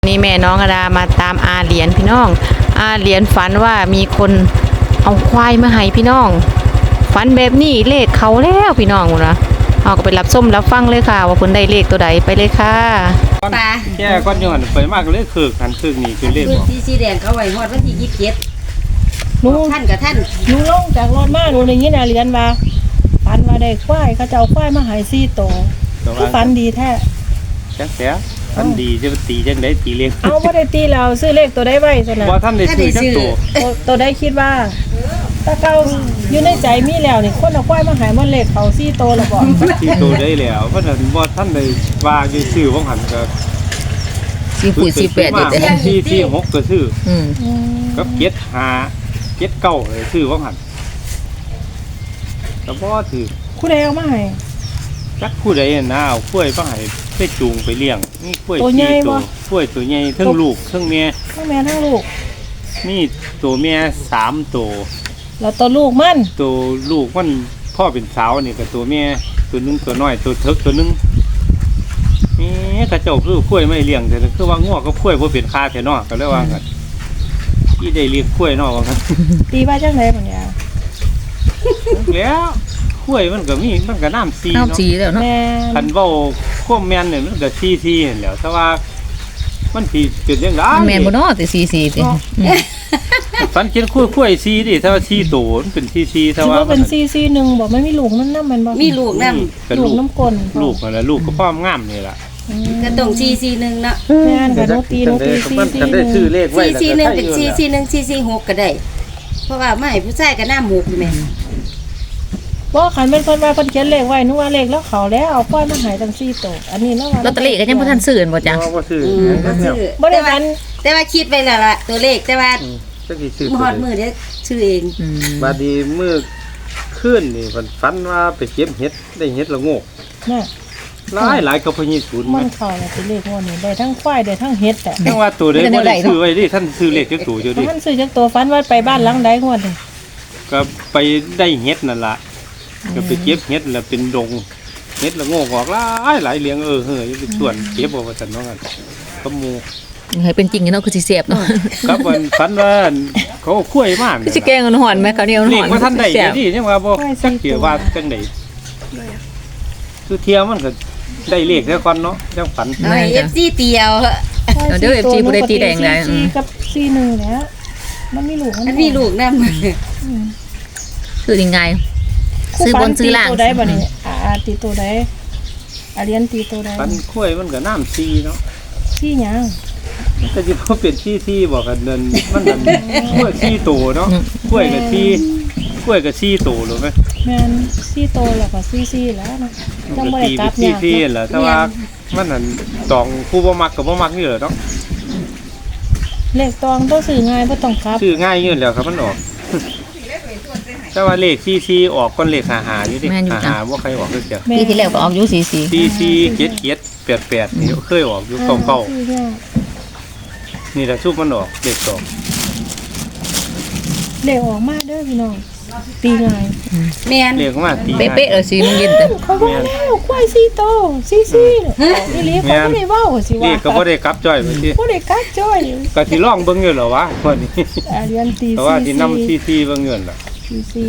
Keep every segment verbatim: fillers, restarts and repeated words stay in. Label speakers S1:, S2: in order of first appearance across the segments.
S1: นี่แม่น้องอดามาตามอาเหรียญพี่น้องอาเหรียญฝันว่ามีคนเอาควายมาให้พี่น้องฝันแบบนี้เลขเขาแล้วพี่น้องนะเอาก็ไปรับส้มรับฟังเลยค่ะว่าเพิ่นได้เลขตัวใดไปเลยค่ะ
S2: ปลา
S3: แก่ก้อนย้อนไปมากเลยคือกันคือนี่คือเลข
S2: คือ
S3: บอก
S2: สีสีแดงเขาไว้ฮอดวันที่ยี่สิบเจ็ด
S4: หนู
S2: ท่านกับท่าน
S4: หนูลงจากรถมาหนูได้ยินอาเรียนว่าฝันว่าได้ควายเขาจะเอาควายมาใหายสี่ตัวคือฝันดีแท้
S3: จักแท้ท่านดีจะตีจังได๋ตีเลข
S4: เอาบ่ได้ตีแล้วซื้อเลขตัวได้ไว้ซั่นน่ะ
S3: บ่ท่านได้ซื้อจักตัว
S4: ตัวตัวได้คิดว่าถ้าเก่าอยู่ในใจมีแล้วนี่คนเอาควายมาใหายมันเลขเขาสี่ตัวแล้วบ่
S3: ที่ตัวได้แล้วเพราะฉะนั้นบ่ท่านได้ว่าอยู่ซื้อของหันก็
S1: สี่ขุดสี่แปดอยู่แต่
S3: ที่ที่หกก็ซื้อ
S1: อืม
S4: อืม
S3: กับเจ็ดห้าเจ็ดเก้าเลยซื้อของหันก็บ่ถือ
S4: ผู้ใดเอามาให้
S3: จักผู้ใดน่ะเอากล้วยมาให้ไปจูงไปเลี้ยงนี่กล้วย
S4: ตัวใหญ่
S3: สี่
S4: บ่
S3: กล้วยตัวใหญ่ทั้งลูกทั้งแม่
S4: ทั้งแม่ทั้งลูก
S3: มีตัวแม่สามตัว
S4: แล้วตัวลูกมัน
S3: ตัวลูกมันพ่อเป็นสาวนี่กับตัวแม่ตัวนึงตัวน้อยตัวเทิกตัวนึงนี่กระเจ้าคือกล้วยไม่เลี้ยงแต่คือว่าง้อก็กล้วยบ่เป็นคาแท้เนาะก็เลยว่ากันที่ได้เลี้ยงกล้วยเนาะว่ากัน
S4: ตีว่าจังได๋บัดเนี่ย
S3: แล้วกล้วยมันก็มีมันก็น้ำซี
S1: น้ำ
S3: เนาะ
S1: สีแล้วเนาะ
S4: แม่
S3: คันเว้าควบแม่นเนี่ยมันก็ซีซีเห็นแหล้วแต่ว่ามันสิเป็นจังได๋
S1: แม่นบ่เนาะแต่สี่สี่ติ
S3: ฝันเขียนกล้วยกล้วยซีดิถ้าว่าซีโตมันเป็นซีซีถ้า
S4: สิ
S3: ว่า
S4: ว่าเป็นสี่สี่หนึ่งบ่ไม่มีลูกนั่นนำมันบ่
S2: มีลูกนํ
S3: ก็
S4: ลู
S3: ลู
S4: ก
S3: ก
S4: น้ำกลน
S3: ลูกนั่นแหละลูกก็พ่อมงามนี่ล่ะ
S2: กระตรงสี่สี่หนึ่งเนาะ
S4: แม่นกับโนตีโนตีสี่สี่
S3: กัน
S4: ห
S3: ได้
S4: นึ่ง
S3: ชื่อเลขไว้
S2: สี่
S3: แล้ว
S2: สี่หนึ่งเป็นสี่สี่หนึ่งสี่สี่หกก็ได้ เพราะว่าไม่ผู้ชายก็หน้าหมูกอยู่แม่
S4: บ่คันเป็นคนว่าเพิ่นเขียนเลขไว้นึกว่าเลขแล้วเขาแล้วเอาควายมาใหายตั้งสี่ตัวอันนี้แล้วว่า
S1: ลอตเตอรี่ก็ยังบ่ทันซื้อบ่จ้ะ
S3: ว่าชื่อ
S2: อืมก็ชื่อ
S4: บ่ได้
S2: แต่ว่า
S4: ฝัน
S2: แต่ว่าคิดไว้แล้วล่ะตัวเลขแต่ว่า
S3: จักสิชื่อ
S2: ฮอดมือเดี๋ยวชื่อเอง
S1: อืม
S3: บาดนีมือขึ้นนี่มันฝันว่าไปเก็บเห็ดได้เห็ดละโงก
S4: น่ะ
S3: หลายหลายกับพญีศูนย์
S4: มั
S3: มัน น
S4: เข้าแล้วสิเลขงวดนี้ได้ทั้งควายได้ทั้งเฮ็ดแต่
S3: จังว่าตัวใดบ่ได้ซื้อไว้ดิท่านซื้อเลขจักตัวอยู่ดิ
S4: ท่านซื้อจักตัวฝันว่าไปบ้านหลังใดงวดนี่
S3: ก็ไปได้เห็ดนั่นล่ะก็ไปเก็บเห็ดแล้วเป็นดงเห็ดละโงกออกหลายหลายเลี้ยงเออเฮ้ยเป็นส่วนเก็บเอาว่าซั่นเนาะกันก็หมู่
S1: ให้เป็นจริงเนาะคือสิแซ่บเนาะ
S3: ครับวันฝันว่าเขาเอาคุ้วยมาก
S1: คือสิแกงมันหอนไหมเขาวเหนียวมัน
S3: เล
S1: ห
S3: ข
S1: อน
S3: ว่าท่านได้
S1: แซ่บ
S3: ดิยังว่าบ่จักเกี่ยวว่าจังได๋คือเที่ยวมันก็ได้เลขแล้วก่อนเนาะจังฝัน
S2: เอาให้เอฟซีเตียว
S1: เดี๋ยว เอฟ ซี ผู้ใดตีแดงได้อืม
S4: สี่กับสี่หนึ่งแล้วมันมีลูก
S2: มันมีลูกนำ
S1: คือยังไง ซื้อบนซื้อล่าง
S4: ตัวใดบ่นี่อ่าอ่าตีตัวใดอาเรียนตีตัวใด
S3: ฝันคุ้วยมันก็น้ำซีเนาะ
S4: สี่หยัง
S3: ก็จะพอเป็นที่ที่บอกกันเดินมันนั่นกล้วยที่โตเนาะกล้วยกับที่กล้วยกับที่โตรู้ไหม
S4: แม่นสี่โตแล้วก็สี่สี่แล้วนะจังบ่
S3: ก็
S4: ได้
S3: ตี
S4: กลั
S3: เป็
S4: บ
S3: นที่
S4: ยาก
S3: ที่แหละแต่ว่ามันนั่นตองผู้บ่มักกับบ่มักนี่แหละเนาะ
S4: เลขตองต้องซื้อง่ายบ่ต้องกลับ
S3: ชื่อง่ายยื่นแล้วครับมันออก แต่ว่าเลขที่ที่ออกก้อนเลขหาหาอยู่ดิหาหาว่าใครออกเลยเสีย
S4: แม่
S1: ปีที่แล้วก็ออกอยู่สี่สี่
S3: ที่ที่เจ็ดเจ็ดแปดแปดนี่เคยออกอยู่เก่าเก่า
S4: ซื้อยาก
S3: ๆนี่แหละชุบมันออกเลขสอง
S4: เลขออกมาเด้อพี่น้องตีง่าย
S2: แม่น
S3: เลขมาตี
S1: เป๊ะๆเลยสี่โมงเย็นแต่
S4: เขาบอกแล้วควายสี่โตสี่สี่อีหลีเขาบ่ได้เว้าสิ
S3: เล
S4: ว่า
S3: ขก็บ่ได้กลับจ้อยไปที่
S4: บ่ได้กัดจ้อย
S3: ก็สิลองเบิ่งอยู่เหรอวะวันนี้
S4: อาเรียนตี
S3: แต่ว่าที่นำที่ที่เบิ่งเงินล่ะ
S4: สี่สี่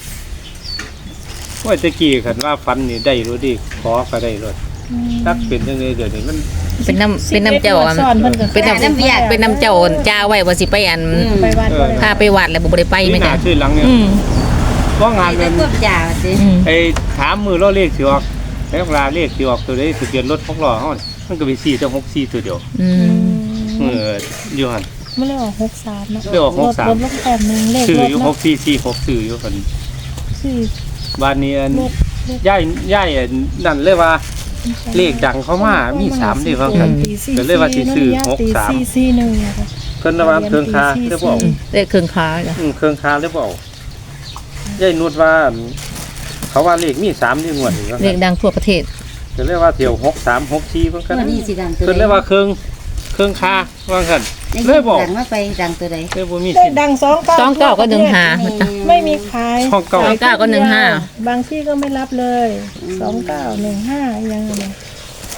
S3: ว่าตะกี้คันว่าฟันนี่ได้รู้ดิขอก็ได้รถตักเป็นจังได๋เดี๋ยวนี้มัน
S1: เป็นน้ำเป็นน้ำเจ้าอัน
S4: สอนเพิ่นก็
S1: เป็นน้ำเป็นน้ำเจ้าจ้าไว้ว่าสิไปอัน
S4: ไปวัดบ่ได้
S1: พาไปวัดแล้วบ่ได้ไป
S3: มี
S1: แม่
S3: หน้า
S1: จ้ะ
S3: ชื่อหลังเนี่ย
S1: อืม
S3: ว่างาน
S2: ไป
S3: นั้น
S2: ควบจ่าสิ
S1: อืม
S3: ไอ้ถามมือล้อเลขสิออกแล้วเวลาเลขสิออกตัวใดทะเบียนรถของล้อเฮามันก็ไปสี่ต่อหกสี่ตัวเดียว
S1: อืม
S3: เอออยู่หั่น
S4: มันเลยออกหกสามเนาะ
S3: เลยออกหกสาม
S4: รถลงแต้มหนึงเลข
S3: ซื้อ
S4: รถ
S3: อยู่ห
S4: เนาะ
S3: กสี่สี่หกซื้ออยู่หั่น
S4: สี่
S3: บ้านนี้อัน
S4: รถรถ
S3: ย่ายย่ายอันนั่นเลยว่าเลขดังเข้ามามีสามนี่ว่ากันก็เลยว่าสิซื้อหกสาม
S4: สี่สี่หนึ่งเนี่ยค่ะ
S3: เพิ่นว่าเครื่องคาเรียกบ่
S1: อืมเลขเครื่องค้าจ้ะ
S3: อืมเครื่องคาเรียกบ่ยายนุชว่าเขาว่าเลขมีสามนี่งวดนี่ว่า
S1: เลขดังทั่วประเทศ
S3: ก็เรียกว่าเที่ยวหกสามหกสี่เพิ่นกัน
S2: ตัวนี้สิดังตัว
S3: เพิ่นเรียกว่าเครื่องเครื่องคาว่ากันเลยบอก
S2: ดังมาไปดังตัวใด
S3: เลยบ่มี
S4: ได้
S3: สิทธิ์
S4: ดังสองเก้า
S1: สองเก้าก็หนึ่งห้า
S4: ไม่มีขาย
S3: ช่องเก้า
S1: สองเก้าก็หนึ่งห้า
S4: บางที่ก็ไม่รับเลยสองเก้าหนึ่งห้ายังไง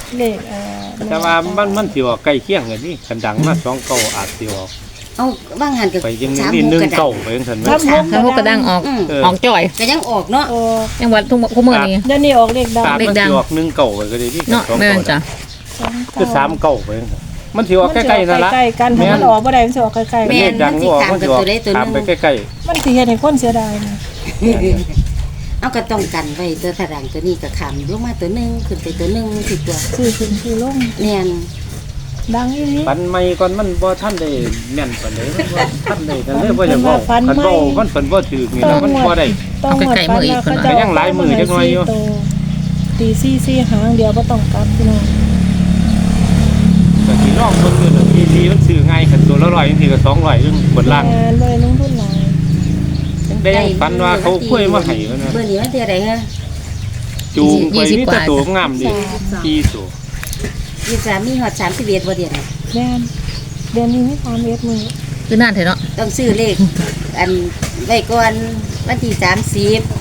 S4: เลขเอ่อ
S3: แต่ว่ามันมันสิออกใกล้เคียงกันนี่คันดังมาสองเก้าอาจสิออก
S2: เอาบางหันกับ
S3: ไปยัง
S2: สาม
S3: นี่
S2: หก
S3: หนึ่ง
S2: ก็ได้
S3: เก้าไปจังซั่นแม่
S4: สามหก
S1: ถ้าพวกกระดังออก
S2: อืม
S3: เออ
S1: ออกจ่อย
S2: ก็ยังออกเนาะ
S4: โอ้
S1: ยังวัดทุกทุกมื้อนี้
S4: เดี๋ยวนี้ออกเลขดัง
S3: อาจ
S1: เลข
S3: มัน
S1: ดัง
S3: สิออกหนึ่งเก้าไปก็ได้ที่
S1: เนาะ
S3: สอง
S1: แม่
S3: เก้าน
S1: จ้ะ
S3: คือสามเก้าไปจังซั่นมันสิออกใกล้ๆนั่นละ
S4: ใกล้ๆกันถ้ามันออกบ่ได้มันสิออกใกล้ๆ
S3: เล
S4: กัน
S3: ขดังออกมันสิออกตามไปใกล้
S4: มันสิเฮ็ดให้คนเสียดายนะ
S2: เอาก็ต้องกันไว้ตัวถรังตัวนี้ก็คำลงมาตัวหนึงขึ้นไปตัวหนึงสิตัว
S4: ซื้อขึ้นซื้อลง
S2: แม่น
S4: ดังอีหลี
S3: ๆปันใหม่ก่อนมันบ่ทันได้แม่นปานใดมันบ่ทันได้กันเลยบ่อยากเว้า
S4: ปัน
S3: คัน
S4: ใหม่
S3: เว้ามันเพิ่นบ่ถูกนี่แล้วมันบ่ได้
S4: ต้องหมดปันแล้วเขาจะ
S3: ก็ยังหลายมื้อจักหน่อยอยู่
S4: ตีซี่ซี่หางเดียวบ่ต้องกลับพี่น้อง
S3: ก็สิลองเบิ่งอยู่ดอกทีทีมันซื้อง่ายคันตัวละร้อยจังซี่ก็สองร้อยนึงบนล่าง
S4: งานบ่ได้ลงทุนหลาย
S3: ได้ยังฝันว่าเขาคุยมาให้ว่านะ
S2: เบอร์นี้มันเท่าไหร่ฮะ
S3: จูงไปมีแต่ตัวงามดิกี่ตัว
S2: ยี่สิบสามมีฮอดสามสิบเอ็ดบ่เดียวน่ะ
S4: แม่นเดือนนี้มีสามเอ็ดมื้อ
S1: คือนั่นเถอะเนาะ
S2: ต้องซื้อเลข อันไว้ก่อนวันที่สามสิบ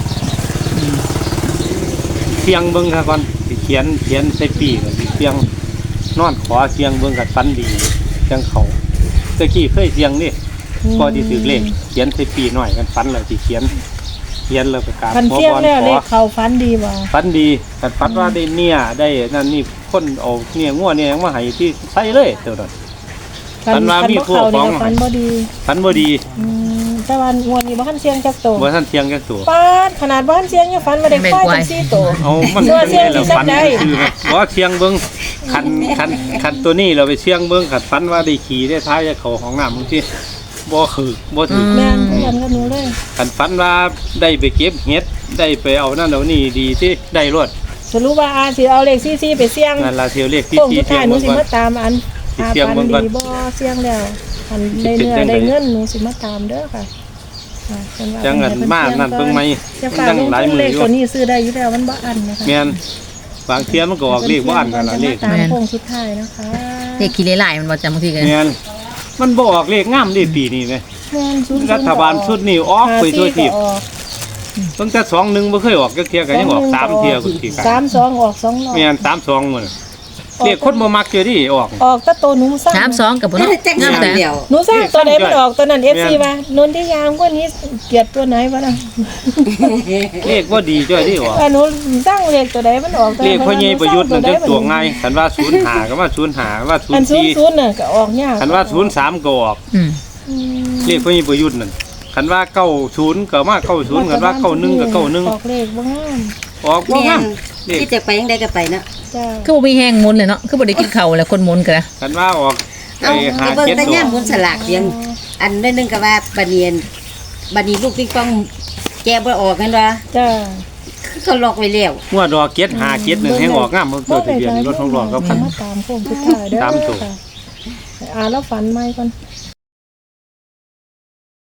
S3: เสียงเบิ่งค่ะก่อนสิเขียนเขียนใส่ปีก็สิเสียงนอนขอเสียงเบิ่งกับฝันดีจังเขาตะกี้เคยเสียงนี่พอที่ถือเลขเขียนใส่ปีหน่อยกันฝันแล้วสิเขียนเขียนแล้วก็กราบ
S4: คัน
S3: ขอ
S4: เที่ยง
S3: พร
S4: แล้ว
S3: ข
S4: เล
S3: อ
S4: ขเข้าฝันดีบ่
S3: ฝันดีกันฝันว่าได้เนี่ยได้นั่นนี่คนเอาเนี่ยงัวเนี่ยยังมาให้ที่ใส่เลยเท่านั้น
S4: คั
S3: ฝันว่ามี
S4: บ่
S3: ผู้
S4: เข้า
S3: ฟ้
S4: นี่
S3: อง
S4: ก็ฝันบ่ดี
S3: ฝันบ่ดี
S4: อืมแต่ว่างวดนี้บ่ทันเสียงจักโต
S3: บ่ทันเที่ยงจักตัว
S4: ปาดขนาดบ่ทันเสียงยังฝันว่าได้ควายจังซี่โต
S3: เอามัน
S4: ตัวเสี่ยง
S3: แล้ว
S4: ที่
S3: ฝัน
S4: สักใด
S3: คือว่าเชียงเบิ้งคันคันคันตัวนี้เราไปเชียงเบิ้งขัดฝันว่าได้ขี่ได้ท้ายจะเขาของน้ำบางทีบ่คือบ่ถือ
S4: แม่นคือกันกับหนูเลย
S3: คันฝันว่าได้ไปเก็บเห็ดได้ไปเอานั่นเอานี่ดีที่ได้รวด
S4: สรุปว่าอาสิเอาเลขซี่ๆไปเสี่ยง
S3: นั่นละเทียวเลขที่
S4: โค้ง
S3: ที่
S4: สุด
S3: เชีย
S4: ท้าง ยหนู
S3: เบิ้ง
S4: สิ
S3: ก่อน
S4: มาตามอัน
S3: สิ
S4: อา
S3: เสี่ยง
S4: ปัน
S3: เบิ่งก่อน
S4: ดีบ่เสี่ยงแล้วอันได้เนื้อได้เงินหนูสิมาตามเด้อค่ะอ่าเพิ่นว่า
S3: จังเงินมานั่นเบิ่งไหม
S4: จะ
S3: มัน
S4: ฝาก
S3: จัง
S4: ลง
S3: หลาย
S4: ทุน
S3: มื
S4: เล
S3: อ
S4: ข
S3: อยู่
S4: ตัวนี้ซื้อได้อยู่แล้วมันบ่อันนะคะ
S3: แม่นบางเทียมันก็ออกเลขบ่อันกันละเลข
S4: ตามโค้งสุดท้ายนะคะ
S1: เลขขี้เลายๆมันบ่จำบางทีกัน
S3: แม่นมันบ่ออกเลขงามดิปีนี้แหม
S4: แม่นศูนย์
S3: รัฐบาลชุดนี้ออกไปทั่วทิพย์
S4: ห้าสี่ก็ออก
S3: ตั้งแต่สองหนึ่งบ่เคยออกจักเที่ยก็ยังออกสามเที่ยคุณสิ
S4: สามสองออกสองร้อย
S3: แม่นสามสองมื้อเรียกคนบ่มักเจอดิออก
S4: ออกแต่ตัวหนูสร้าง
S1: สามสองกับบ่
S2: นั่น
S1: เนาะ
S2: จัง
S1: งาม
S2: สาม
S1: แต่
S2: เดียว
S4: หนูสร้างตัวไหนมันออกตัวนั้น
S3: แม่
S4: เอน ฟซีว่านนที่ยามกว่านี้เกลียดตัวไหนวะนะ
S3: เลขบ่ดีจ้อยดิออก
S4: ว่าหนูสร้างเลขตัวไหนมันออกตัว
S3: เล
S4: นั้น
S3: ขพ่อใหญ่ประยุทธ์นั่นจังตัวง่ายคันว่าศูนย์ห้าก็ว่าศูนย์ห้าว่าศู
S4: อั
S3: น
S4: น
S3: ย์
S4: ศูน
S3: สี่
S4: ย์ศูนย์น่ะก็ออกยาก
S3: คันว่าศูนย์สามก็ออก
S1: อืม
S4: อืม
S3: เลขพ่อใหญ่ประยุทธ์นั่นคันว่าเก้าศูนย์ก็มาเก้าศูนย์คันว่าเก้าหนึ่งก็เก้าหนึ่ง
S4: ออกเลขบ่งาม
S3: ออกบ่
S2: แม่
S3: งาม
S2: น
S3: เลข
S2: ที่จะไปยังไดก็ไปเนาะ
S4: จ้า
S1: คือบ่มีแห้งหมุนเลยเนาะคือบ่ได้กินข้าวแล้วคนหมุนกันนะ
S3: คันว่าออก
S2: เอา
S3: ไอ้หา
S2: ไปเบิ่ง
S3: เจ็ด
S2: แต่
S3: ตัว
S2: ย่ามบนสลากเพียงอันได้นึงก็ว่าบะเนียนบะนีลูกปิงปองแกบ่ออกกันว่า
S4: จ้า
S2: คือเขาล็อกไว้แล้ว
S3: งวดดอกเจ็ดหาเจ็ดหนึ่งให้ออกงามมันตัวทะเบียนรถของหลอดก็พัน
S4: มาตามโค้งสุดท้ายเด้อ
S3: ตามตัว
S4: ค่ะอ่าแล้วฝันใหม่ก่อน